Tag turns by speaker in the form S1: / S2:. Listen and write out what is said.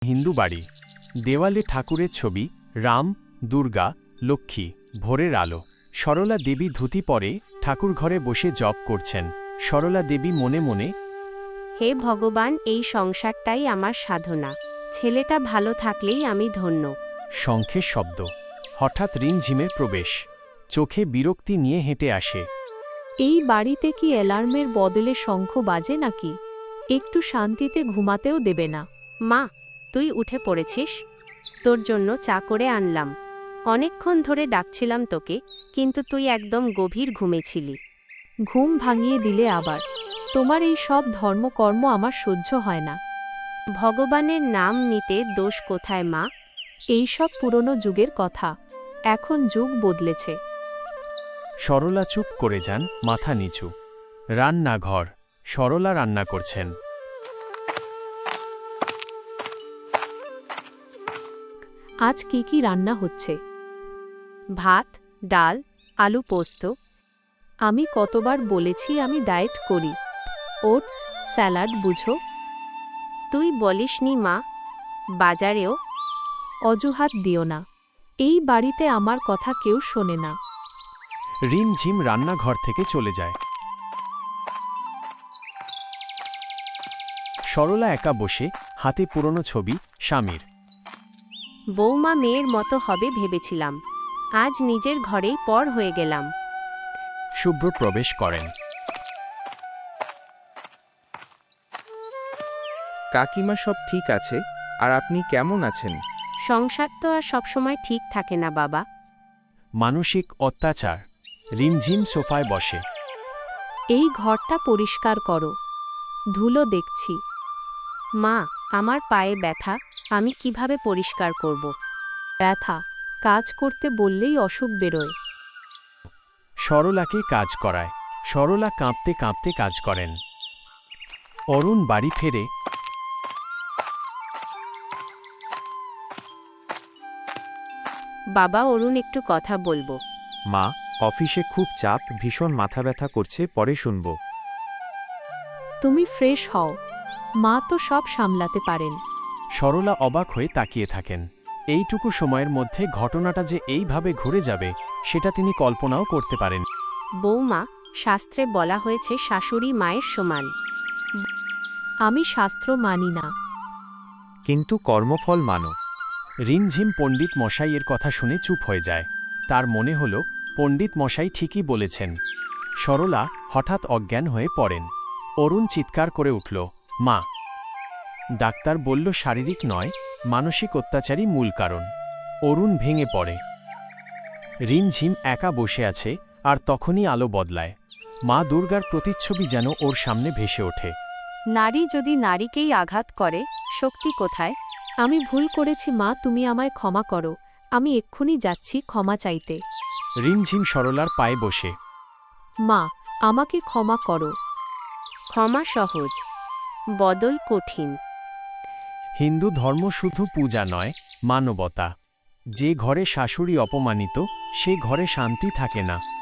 S1: হিন্দু বাড়ি, দেওয়ালে ঠাকুরের ছবি, রাম, দুর্গা, লক্ষ্মী, ভোরের আলো। সরলা দেবী ধুতি পরে ঠাকুর ঘরে বসে জপ করছেন। সরলা দেবী মনে মনে,
S2: হে ভগবান, এই সংসারটাই আমার সাধনা। ছেলেটা ভালো থাকলেই আমি ধন্য।
S1: শঙ্খের শব্দ। হঠাৎ রিমঝিমের প্রবেশ। চোখে বিরক্তি নিয়ে হেঁটে আসে।
S3: এই বাড়িতে কি অ্যালার্মের বদলে শঙ্খ বাজে নাকি? একটু শান্তিতে ঘুমাতেও দেবে না।
S2: মা, তুই উঠে পড়েছিস? তোর জন্য চা করে আনলাম। অনেকক্ষণ ধরে ডাকছিলাম তোকে, কিন্তু তুই একদম গভীর ঘুমেছিলি।
S3: ঘুম ভাঙিয়ে দিলে আবার। তোমার এই সব ধর্মকর্ম আমার সহ্য হয় না।
S2: ভগবানের নাম নিতে দোষ কোথায় মা?
S3: এই সব পুরনো যুগের কথা। এখন যুগ বদলেছে।
S1: সরলা চুপ করে যান, মাথা নিচু। রান্নাঘর। সরলা রান্না করছেন।
S3: আজ কি কি রান্না হচ্ছে?
S2: ভাত, ডাল, আলু পোস্ত।
S3: আমি কতবার বলেছি আমি ডায়েট করি। ওটস, স্যালাড বুঝো।
S2: তুই বলিসনি মা। বাজারেও
S3: অজুহাত দিও না। এই বাড়িতে আমার কথা কেউ শোনে না।
S1: রিমঝিম রান্নাঘর থেকে চলে যায়। সরলা একা বসে, হাতে পুরনো ছবি, স্বামীর।
S2: বৌমা মেয়ের মতো হবে ভেবেছিলাম, আজ নিজের ঘরেই পর হয়ে গেলাম।
S1: শুভ্র প্রবেশ করেন।
S4: কাকিমা, সব ঠিক আছে? আর আপনি কেমন আছেন?
S2: সংসার তো আর সবসময় ঠিক থাকে না বাবা।
S1: মানসিক অত্যাচার। রিমঝিম সোফায় বসে।
S3: এই ঘরটা পরিষ্কার করো। ধুলো দেখছি।
S2: মা, আমার পায়ে ব্যথা, আমি কিভাবে পরিষ্কার করব?
S3: ব্যথা? কাজ করতে বললেই অসুখ বেরোয়।
S1: সরলাকে কাজ করায়। সরলা কাঁপতে কাঁপতে কাজ করেন। অরুণ বাড়ি ফেরে।
S2: বাবা, অরুণ একটু কথা বলবো।
S4: মা, অফিসে খুব চাপ, ভীষণ মাথা ব্যথা করছে, পরে শুনব।
S3: তুমি ফ্রেশ হও। মা তো সব সামলাতে পারেন।
S1: সরলা অবাক হয়ে তাকিয়ে থাকেন। এইটুকু সময়ের মধ্যে ঘটনাটা যে এইভাবে ঘুরে যাবে, সেটা তিনি কল্পনাও করতে পারেন।
S2: বৌমা, শাস্ত্রে বলা হয়েছে শাশুড়ি মায়ের সমান।
S3: আমি শাস্ত্র মানি না।
S4: কিন্তু কর্মফল মানো।
S1: রিমঝিম পণ্ডিত মশাইয়ের কথা শুনে চুপ হয়ে যায়। তার মনে হল পণ্ডিত মশাই ঠিকই বলেছেন। সরলা হঠাৎ অজ্ঞান হয়ে পড়েন। অরুণ চিৎকার করে উঠল, মা! ডাক্তার বলল শারীরিক নয়, মানসিক অত্যাচারই মূল কারণ। অরুণ ভেঙে পড়ে। রিমঝিম একা বসে আছে, আর তখনই আলো বদলায়। মা দুর্গার প্রতিচ্ছবি যেন ওর সামনে ভেসে ওঠে।
S2: নারী যদি নারীকেই আঘাত করে, শক্তি কোথায়?
S3: আমি ভুল করেছি মা, তুমি আমায় ক্ষমা করো। আমি এক্ষুনি যাচ্ছি ক্ষমা চাইতে।
S1: রিমঝিম সরলার পায়ে বসে।
S3: মা, আমাকে ক্ষমা করো।
S2: ক্ষমা সহজ, বদল কঠিন।
S1: হিন্দু ধর্ম শুধু পূজা নয়, মানবতা। যে ঘরে শাশুড়ি অপমানিত, সে ঘরে শান্তি থাকে না।